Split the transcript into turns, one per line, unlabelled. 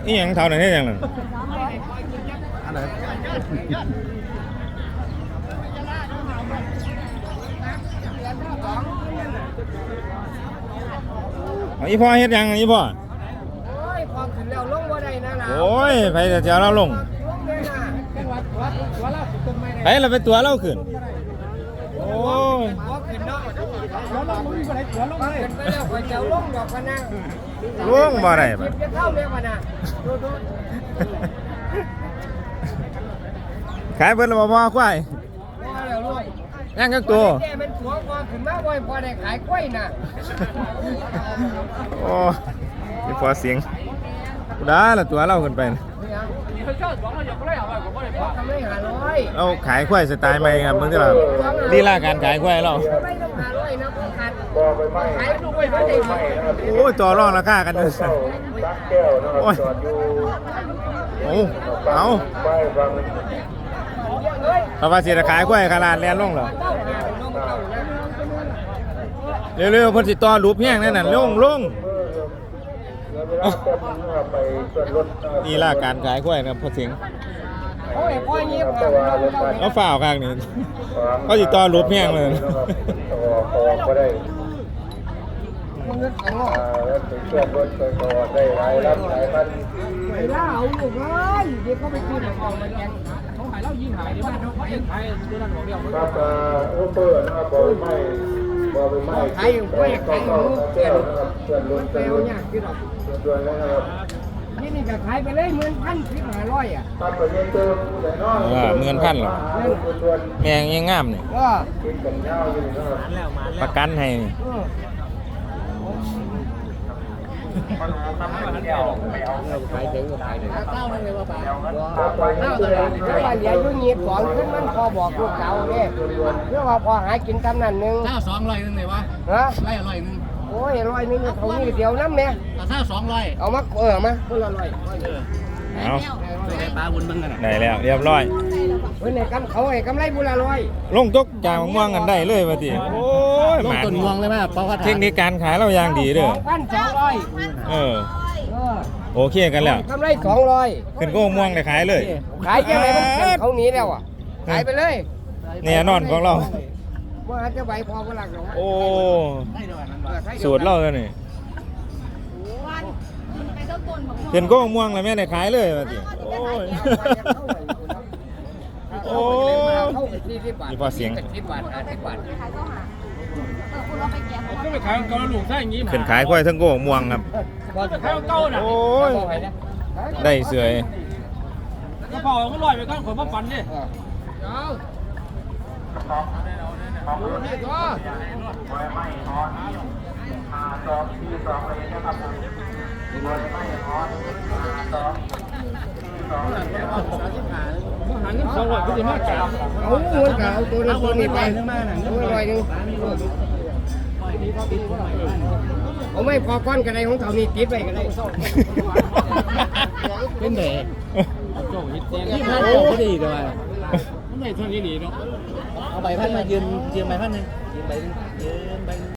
นี่ยังเท่าไหร่เนี่ยยังนั่น
อันไหน
เอาอีพ่อเฮ็ดยังอีพ่อ
โอ้ยพอขึ้นแล้วลงบ่ได้นะล่ะ
โอ้ยไปแต่เจ้าเราลง
ลงได้นะจังหวัดตัวเราตรงไม่ได้
ไปเราไปตัวเราขึ้นโอ้ย
พอขึ้นเนาะแล้วลงบ่ได้ตัวลงเลยขึ้นไปแล้วข่อยจะลงดอกพะนะ
ล่วงบ่ได้
ค
ปะ
ลิปจะเข้าเรียกพะนะดู
ขายเบิดแล้วบ่พ่อควาย
พอแล้วลูก
ย่างกักตัว
แกเป็นตัวพอขึ้นมาบ่อยพอได้ขายกล้วยน่ะ
โอ้ยพอเสียงกูได้ละตัวเราขึ้นไปนะ
พอทำได้500
เราขายควายสไตล์ใหม่ครับมึงที่เราลีลาการขายควายเรา
ไม่ต้อง500นะพอขาดขายลูกไว้บ่ได้ไหม
โอ้ยต่อรองราคากันด้วยสิโอ้ยเอาเพราะว่าสิจะขายควายขนาดแลนลงเหรอเร็วๆเพิ่นสิต่อรูปแห้งนั่นน่ะลงนี่ล่ะการขายควายครับพ่อเสียง
โอ้ยพ่อเงียบ
เขาฝ่าวข้างนี่เขาสิต่อรูปแห้งเลย
มันเงินของไปล่าเอาลูกเลยเดี๋ยวเขาไปกินของมาแกงเขาหายแล้วยิงหายในบ้านเขาเองขายตัวนั้นของเดียวครับขายอยู่กล้วยขายอยู่เปรี้ยวเปรี้ยวเนี่ยที่เรานี่ก็ขายไปเลย11,500อ่ะ
10,000หรอแมงยังงามนี่
ก็
ประกันให้นี่
ขายถึงก็ขายถึงเต้าเลยว่าป่าเต้าเลยว่าเหลืออยู่เงียบของขึ้นมันพอบอกลูกเก่าเนี่ยเพื่อว่าพอหากินตำนั้นนึง
ถ้า200นึงเลยวะ
ฮะ
ไล่100นึง
โอ้ย100นึงเขานี่เดียวน้ำเนี่ย
ถ้า200
เอามามาคนละ100
เอา
ได้ปลาบุญมึงกันน่ะ
ได้แล้วเรียบร้อย
เฮ้ยในกำเขาไอ้กำไรบุละ100
ลงตกจากม่วงกันได้เลยว่าติโอ้ย
ลงต้นม่วงเลยแม่เพราะว่า
เทคนิคการขายเราอย่างดีเด้อ
2,200
เออโอเคกันแล้ว
กำไร200
ขึ้นก็ม่วงได้ขายเลย
ขายยังไงมันเขาหนีแล้วอ่ะขายไปเลย
เนี่ยนอนของเรา
ว่าจะใบพอก็หลักหรอก
โอ้สูตรเราแล้วนี่ขึ้นก็ม่วงแล้วแม่ได้ขายเลยว่าติโอ้ยโอ้ยนี่พอเสียง
10 บาท50 บาท
ก็ไปขายเกาหลูกใช่อย่างงี้
ขึ้นขายควายทั้งโก้ม่วงครับ
ขายเก้าน่ะ
โอ้ยได้เสย
กระเพราก็ลอยไปก้อนขนมาฟันดิ หัน200ก็จะมากจับ
เอาเงินกับเอาตัวนี้ไป100นึงเอาไม่พอก้อนกันไรของเขานี่ติดไปกันไร
เป็นเด็กโจ้ยเตียงที่พันโจ้ก็ดีด้วยไม่เท่านี้หนีเนาะเอาใบพันมายืมใบพันหนึ่งยืมใบ